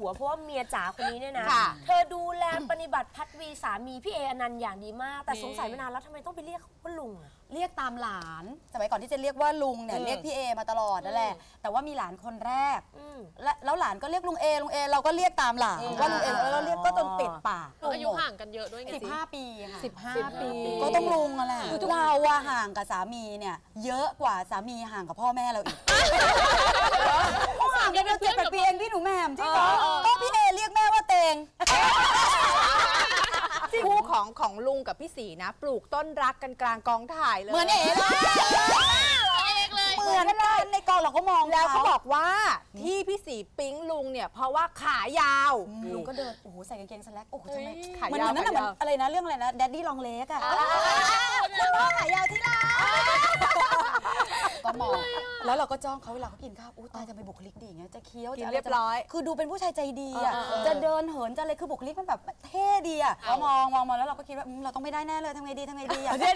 หัวเพราะว่าเมียจ๋าคนนี้เนี่ยนะเธอดูแลปฏิบัติพัดวีสามีพี่เออนันต์อย่างดีมากแต่สงสัยมานานแล้วทำไมต้องไปเรียกว่าลุงเรียกตามหลานสมัยก่อนที่จะเรียกว่าลุงเนี่ยเรียกพี่เอมาตลอดนั่นแหละแต่ว่ามีหลานคนแรกแล้วหลานก็เรียกลุงเอเราก็เรียกตามหลานว่าลุงเอเราเรียกก็จนติดปากอายุห่างกันเยอะด้วยไง 15 ปีค่ะ 15 ปีก็ต้องลุงอะแหละเราอะห่างกับสามีเนี่ยเยอะกว่าสามีห่างกับพ่อแม่เราอีกห่างกันเป็น7-8 ปีเองพี่หนูแหม่มจริงเหรอก็พี่เอเรียกแม่ว่าเตงคู่ของลุงกับพี่สีนะปลูกต้นรักกันกลางกองถ่ายเลยเหมือนเอ๋เลยเหมือนกันในกองเราก็มองแล้วเขาบอกว่าที่พี่สีปิ๊งลุงเนี่ยเพราะว่าขายาวลุงก็เดินโอ้โหใส่กางเกงสแล็กโอ้โหทำไมขายาวนั่นน่ะอะไรนะเรื่องอะไรนะแดดดี้ลองเล็กอะคุณพ่อขายาวที่ร้านก็มองแล้วเราก็จ้องเขาเวลาเขากินข้าวอู้ตายจะไปบุคลิกดีอย่างเงี้ยจะเคี้ยวจะเรียบร้อยคือดูเป็นผู้ชายใจดีอะจะเดินเหินจะอะไรคือบุคลิกมันแบบเท่ดีอะเรามองแล้วเราก็คิดว่าเราต้องไม่ได้แน่เลยทำไงดีอะเดี๋ยว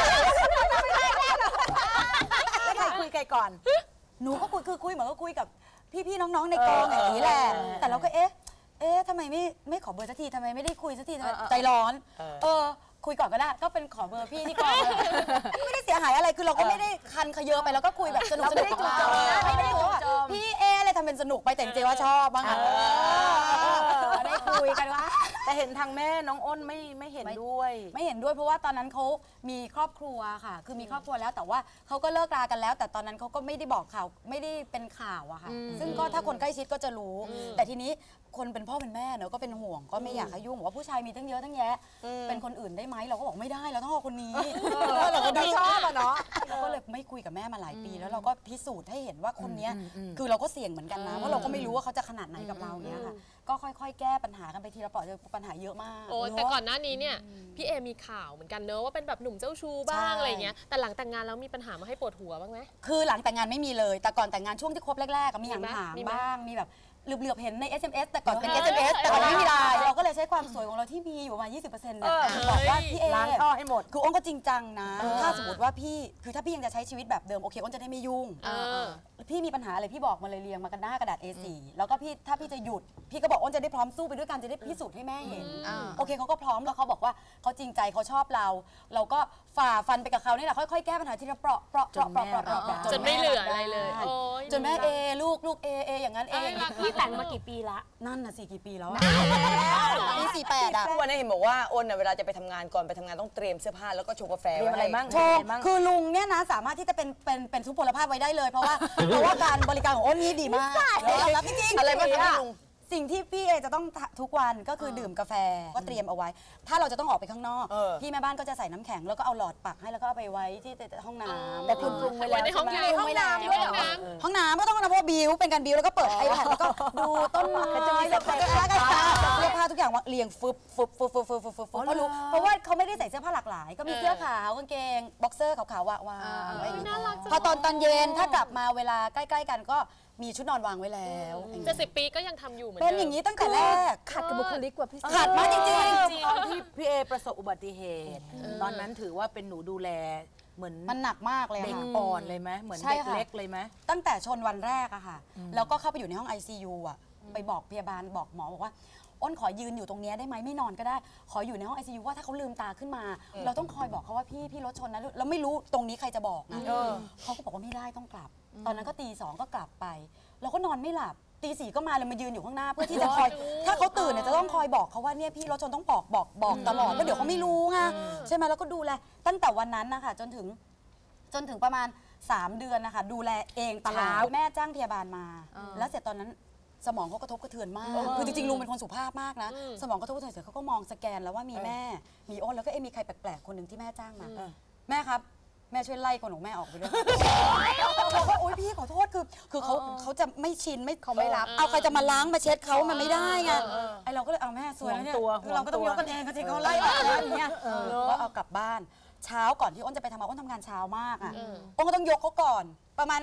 แล้วใครคุยใครก่อนหนูก็คุยเหมือนก็คุยกับพี่น้องๆในกองอย่างนี้แหละแต่เราก็เอ๊ะทำไมไม่ขอเบอร์สักทีทำไมไม่ได้คุยสักทีใจร้อนคุยก่อนก็ได้ก็เป็นขอเบอร์พี่ที่กองไม่ได้เสียหายอะไรคือเราก็ไม่ได้คันขยเยอะไปแล้วก็คุยแบบสนุกไม่ได้จูบพี่อะไรทำเป็นสนุกไปแต่จริงๆว่าชอบบ้างได้คุยกันว่าแต่เห็นทางแม่น้องอ้นไม่เห็นด้วยเพราะว่าตอนนั้นเขามีครอบครัวค่ะคือมีครอบครัวแล้วแต่ว่าเขาก็เลิกรากันแล้วแต่ตอนนั้นเขาก็ไม่ได้บอกข่าวไม่ได้เป็นข่าวอะค่ะซึ่งก็ถ้าคนใกล้ชิดก็จะรู้แต่ทีนี้คนเป็นพ่อเป็นแม่เนอะก็เป็นห่วงก็ไม่อยากให้ยุ่งว่าผู้ชายมีตั้งเยอะตั้งแยะเป็นคนอื่นได้ไหมเราก็บอกไม่ได้เราต้องเอาคนนี้เราก็ชอบอะเนาะเราก็เลยไม่คุยกับแม่มาหลายปีแล้วเราก็พิสูจน์ให้เห็นว่าคนนี้คือเราก็เสี่ยงเหมือนกันนะเพราะเราก็ไม่รู้ว่าเขาจะขนาดไหนกับเราเนี้ยค่ะก็ค่อยๆแก้ปัญหากันไปทีละเปราะปัญหาเยอะมากโอ้แต่ก่อนหน้านี้เนี่ยพี่เอมีข่าวเหมือนกันเนอะว่าเป็นแบบหนุ่มเจ้าชู้บ้างอะไรเงี้ยแต่หลังแต่งงานแล้วมีปัญหามาให้ปวดหัวบ้างไหมคือหลังแต่งงานไม่มีเลยแต่ก่อนแต่งงานช่วงที่คบแรกๆมีห่างๆบ้างมีแบบเหลือบๆเห็นใน SMS แต่ก่อนเป็น SMS แต่ก่อนไม่มีไลน์เราก็เลยใช้ความสวยของเราที่มีอยู่ประมาณ 20% เนี่ยบอกว่าพี่เอล้างท่อให้หมดคืออ้นก็จริงจังนะถ้าสมมติว่าพี่คือถ้าพี่ยังจะใช้ชีวิตแบบเดิมโอเคอ้นจะได้ไม่ยุ่งพี่มีปัญหาอะไรพี่บอกมาเลยเรียงมากันหน้ากระดาษ A4 แล้วก็พี่ถ้าพี่จะหยุดพี่ก็บอกอ้นจะได้พร้อมสู้ไปด้วยกันจะได้พิสูจน์ให้แม่เห็นโอเคเขาก็พร้อมแล้วเขาบอกว่าเขาจริงใจเขาชอบเราก็ฝ่าฟันไปกับเขานี่แหละค่อยๆแก้ปัญหาทีละเปราะจนไม่เหลืออะไรเลยจนแม่ลูกอย่างนั้นพี่แต่งมากี่ปีละนั่นน่ะสิกี่ปีแล้วปี 48อะทุกวันนี้เห็นบอกว่าอ้นเวลาจะไปทำงานก่อนไปทำงานต้องเตรียมเสื้อผ้าแล้วก็ชงกาแฟไว้อะไรบ้างคือลุงเนี่ยนะสามารถที่จะเป็นทุพพลภาพไว้ได้เลยเพราะว่าการบริการของอ้นนี่ดีมากรับจริงๆอะไรบ้างคะลุงสิ่งที่พี่เอจะต้องทุกวันก็คือดื่มกาแฟก็เตรียมเอาไว้ถ้าเราจะต้องออกไปข้างนอกพี่แม่บ้านก็จะใส่น้ำแข็งแล้วก็เอาหลอดปักให้แล้วก็เอาไปไว้ที่ห้องน้ำแต่คุณปรุงไว้แล้วในห้องน้ำด้วยเหรอห้องน้ำก็ต้องเพราะบิวเป็นการบิวแล้วก็เปิดไอแพดแล้วก็ดูต้นไม้แล้วก็เสื้อผ้าทุกอย่างเรียงฟึบเพราะว่าเขาไม่ได้ใส่เสื้อผ้าหลากหลายก็มีเสื้อขาวกางเกงบ็อกเซอร์ขาวๆวางไว้พอตอนเย็นถ้ากลับมาเวลาใกล้ๆกันก็มีชุดนอนวางไว้แล้วจะ10 ปีก็ยังทำอยู่เหมือนเดิมเป็นอย่างนี้ตั้งแต่แรกขัดกับบุคลิกกว่าพี่ขัดมากจริงๆตอนที่พี่เอประสบอุบัติเหตุตอนนั้นถือว่าเป็นหนูดูแลเหมือนมันหนักมากเลยเด็กอ่อนเลยไหมเหมือนเด็กเล็กเลยไหมตั้งแต่ชนวันแรกอะค่ะแล้วก็เข้าไปอยู่ในห้อง ICU อะไปบอกพยาบาลบอกหมอบอกว่าอ้นขอยืนอยู่ตรงนี้ได้ไหมไม่นอนก็ได้ขออยู่ในห้อง ICU ว่าถ้าเขาลืมตาขึ้นมาเราต้องคอยบอกเขาว่าพี่รถชนนะแล้วไม่รู้ตรงนี้ใครจะบอกนะเขาก็บอกว่าไม่ได้ต้องกลับตอนนั้นก็ตี 2ก็กลับไปเราก็นอนไม่หลับตี 4ก็มาเลยมายืนอยู่ข้างหน้าเพื่อที่จะคอยถ้าเขาตื่นเนี่ยจะต้องคอยบอกเขาว่าเนี่ยพี่รถชนต้องบอกตลอดเพราะเดี๋ยวเขาไม่รู้ไงใช่ไหมแล้วก็ดูแลตั้งแต่วันนั้นนะคะจนถึงประมาณ3 เดือนนะคะดูแลเองตลอดแม่จ้างพยาบาลมาแล้วเสร็จตอนนั้นสมองเขากระทบกระเทือนมากคือจริงๆลุงเป็นคนสุภาพมากนะสมองกระทบกระเทือนเสร็จเขาก็มองสแกนแล้วว่ามีแม่มีอ้นแล้วก็มีใครแปลกๆคนหนึ่งที่แม่จ้างมาแม่ครับแม่ช่วยไล่คนของแม่ออกไปด้วยบอกว่าโอ๊ยพี่ขอโทษคือเขาจะไม่ชินเขาไม่รับเอาใครจะมาล้างมาเช็ดเขามันไม่ได้ไงไอเราก็เลยเอาแม่สวยแล้วเนี่ยเราก็ต้องยกกันเองก็จริงเขาไล่ออกแล้วอย่างเงี้ยก็เอากลับบ้านเช้าก่อนที่อ้นจะไปทำงานอ้นทำงานเช้ามากอ่ะอ้นก็ต้องยกเขาก่อนประมาณ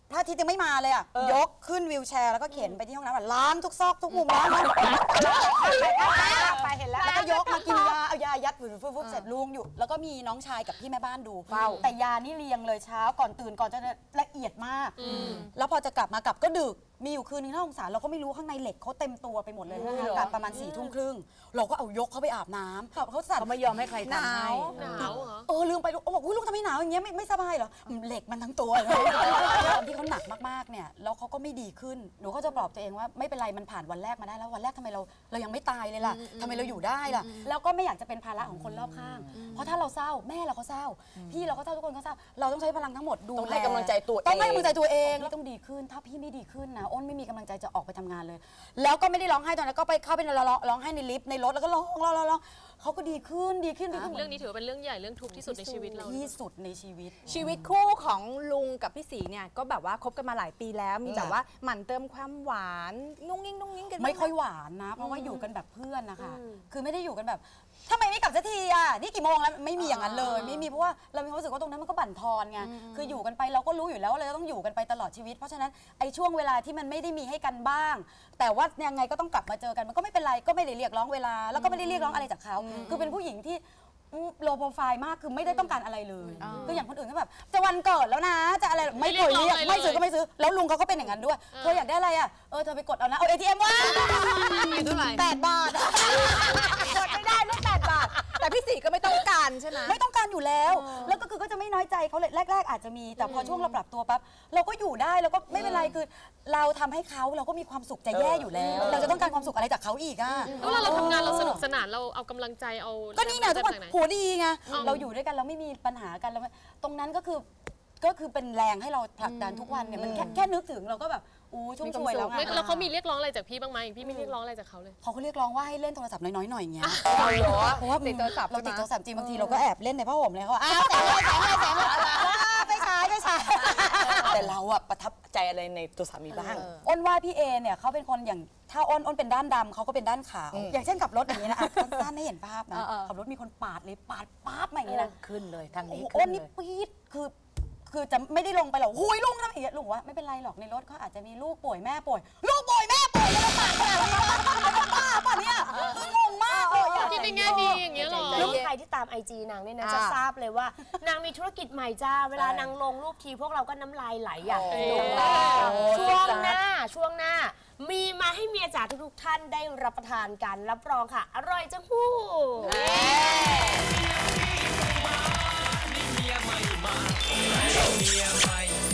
พระอาทิตย์ยังไม่มาเลยอ่ะยกขึ้นวีลแชร์แล้วก็เข็นไปที่ห้องน้ำล้างทุกซอกทุกมุมล้างไปเห็นแล้วแล้วก็ยกมากินยาเอายายัดฟุบเสร็จลุงอยู่แล้วก็มีน้องชายกับพี่แม่บ้านดูเฝ้าแต่ยานี่เรียงเลยเช้าก่อนตื่นก่อนจะละเอียดมากแล้วพอจะกลับก็ดึกมีอยู่คืนนึงน่าสงสารเราก็ไม่รู้ข้างในเหล็กเขาเต็มตัวไปหมดเลยกลับประมาณ4 ทุ่มครึ่งเราก็เอายกเขาไปอาบน้ำเขาสั่นเขาไม่ยอมให้ใครทำให้หนาวเหรอลืมไปลูกบอกลูกทำไมหนาวอย่างเงี้ยไม่สบายเหรอเหล็กมันทั้งตัวเลยตอนที่เขาหนักมากๆเนี่ยแล้วเขาก็ไม่ดีขึ้นหนูก็จะปลอบตัวเองว่าไม่เป็นไรมันผ่านวันแรกมาได้แล้ววันแรกทำไมเรายังไม่ตายเลยล่ะทำไมเราอยู่ได้ล่ะแล้วก็ไม่อยากจะเป็นภาระของคนรอบข้างเพราะถ้าเราเศร้าแม่เราก็เศร้าพี่เราก็เศร้าทุกคนก็เศร้าเราต้องใช้พลังทั้งหมดดูต้องให้กำลังใจตัวเองต้องให้กำลังใจตัวเองต้องดีขึ้นถ้าพี่ไม่ดีขึ้นนะอ้นไม่มีกำลังใจจะออกไปทำงานเลยแล้วก็ไม่ได้ร้องไห้ตอนนั้นก็ไปเข้าไปร้องไห้ในลิฟต์ในรถแล้วก็ร้องเขาก็ดีขึ้นเรื่องนี้ถือเป็นเรื่องใหญ่เรื่องทุกข์ที่สุดในชีวิตเราที่สุดในชีวิตชีวิตคู่ของลุงกับพี่ศรีเนี่ยก็แบบว่าคบกันมาหลายปีแล้วมีแบบว่าหมั่นเติมความหวานนุ่งยิ่งกันไม่ค่อยหวานนะเพราะว่าอยู่กันแบบเพื่อนนะคะคือไม่ได้อยู่กันแบบทำไมไม่กลับสักทีอ่ะนี่กี่โมงแล้วไม่มีอย่างนั้นเลยไม่มีเพราะว่าเรามีความรู้สึกว่าตรงนั้นมันก็บั่นทอนไงคืออยู่กันไปเราก็รู้อยู่แล้วว่าเราต้องอยู่กันไปตลอดชีวิตเพราะฉะนั้นไอ้ช่วงเวลาที่มันไม่ได้มีให้กันบ้างแต่ว่ายังไงก็ต้องกลับมาเจอกันมันก็ไม่เป็นไรก็ไม่ได้เรียกร้องเวลาแล้วก็ไม่ได้เรียกร้องอะไรจากเขาคือเป็นผู้หญิงที่โลโปรไฟล์มากคือไม่ได้ต้องการอะไรเลยคืออย่างคนอื่นก็แบบจะวันเกิดแล้วนะจะอะไรไม่เคยเรียกไม่ซื้อก็ไม่ซื้อแล้วลุงเขาก็เป็นอย่างนั้นด้วยเธออยากได้อะไรอ่ะเธอไปกดเอานะเอา ATM ว่า8 บาทกดไม่ได้เรื่อง8 บาทแต่พี่ศรีก็ไม่ต้องการใช่ไหมไม่ต้องการอยู่แล้วแล้วก็คือก็จะไม่น้อยใจเขาเลยแรกๆอาจจะมีแต่พอช่วงเราปรับตัวปั๊บเราก็อยู่ได้แล้วก็ไม่เป็นไรคือเราทำให้เขาเราก็มีความสุขจะแย่อยู่แล้วเราจะต้องการความสุขอะไรจากเขาอีกอ่ะแล้วเราทำงานเราสนุกสนานเราเอากำลังใจเอาก็นี่ไงทุกคนหัวดีไงเราอยู่ด้วยกันเราไม่มีปัญหากันแล้วตรงนั้นก็คือเป็นแรงให้เราผลักดันทุกวันเนี่ยมันแค่นึกถึงเราก็แบบชุ่มช่วยแล้วไงแล้วเขามีเรียกร้องอะไรจากพี่บ้างไหมพี่ไม่เรียกร้องอะไรจากเขาเลยเขาก็เรียกร้องว่าให้เล่นโทรศัพท์น้อยๆหน่อยเงี้ยเพราะว่าติดโทรศัพท์เราติดโทรศัพท์จริงบางทีเราก็แอบเล่นในผ้าห่มเลยเขาแสงไปฉายแต่เราอะประทับใจอะไรในตัวสามีบ้างอ้นว่าพี่เอเนี่ยเขาเป็นคนอย่างถ้าอ้นเป็นด้านดำเขาก็เป็นด้านขาวอย่างเช่นขับรถอย่างนี้นะสั้นให้เห็นภาพนะขับรถมีคนปาดเลยปาดป๊าบมาอย่างนี้นะขึ้นเลยทางนี้อ้นนี่ปี๊ดคือจะไม่ได้ลงไปหรอกหุยลุงทำอย่างนี้ลุงว่าไม่เป็นไรหรอกในรถเขาอาจจะมีลูกป่วยแม่ป่วยลูกป่วยแม่ป่วยแล้วปาดขนาดนี้บ้าป่ะเนี่ยคืองงมากเลยคิดในแง่ดีอย่างเงี้ยหรอแล้วใครที่ตาม IG นางเนี่ยนะจะทราบเลยว่านางมีธุรกิจใหม่จ้าเวลานางลงรูปทีพวกเราก็น้ำลายไหลอยากดูช่วงหน้ามีมาให้เมียจ๋าทุกท่านได้รับประทานกันรับรองค่ะอร่อยจังหู้เมียใหม่